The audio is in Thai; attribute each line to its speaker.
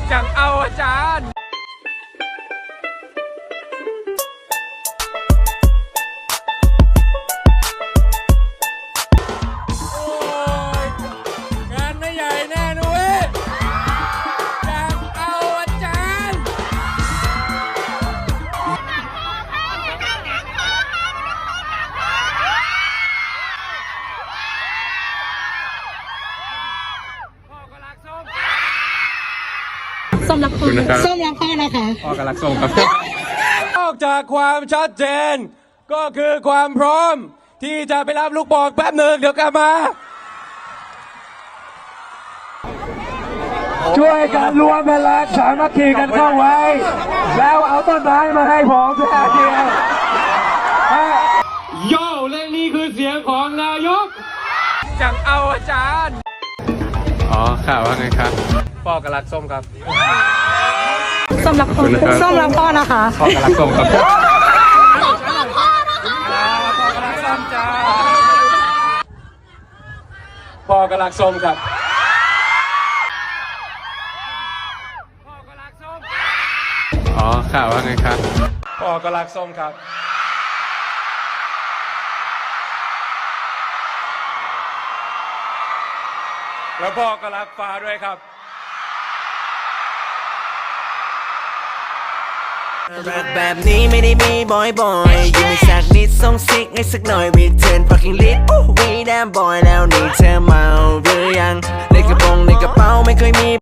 Speaker 1: จังเอาอาจารย์โอ้ยงานไม่ใหญ่แน่นุ้ยจังเอาอาจารย์พ่อก็รักส้ม
Speaker 2: ส้มรักพ่อนะคะ
Speaker 1: พ่อกำลังส่งครับนอกจากความชัดเจนก็คือความพร้อมที่จะไปรับลูกบอลแป๊บหนึ่งเดี๋ยวกลับมา ช่วยกันรวมพลังสามัคคีกันเข้าไว้ แล้วเอาต้นไม้มาให้ผมแค่เดียวโย่และนี่คือเสียงของนายกจังเอาอาจารย์อ๋อข่าวว่าไงครับพ่อกำลังส้มครับ
Speaker 2: ส้มรักพ่อนะคะ
Speaker 1: พ่อกำลังส้มครับพ่อกำลังส้มจ้าพ่อกำลังส้มครับพ่อกำลังส้มอ๋อข่าวว่าไงครับพ่อกำลังส้มครับแล้วพ่อก็รักฟ้าด้วยครับ
Speaker 3: รักแบบนี้ไม่ได้มีบ่อยๆยิ้มให้สักนิดส่งซิกให้สักหน่อย Return fucking lit วีแดมบอยแล้วนี่เธอเมาหรือยังในกระโปรงในกระเป๋าไม่เคยมี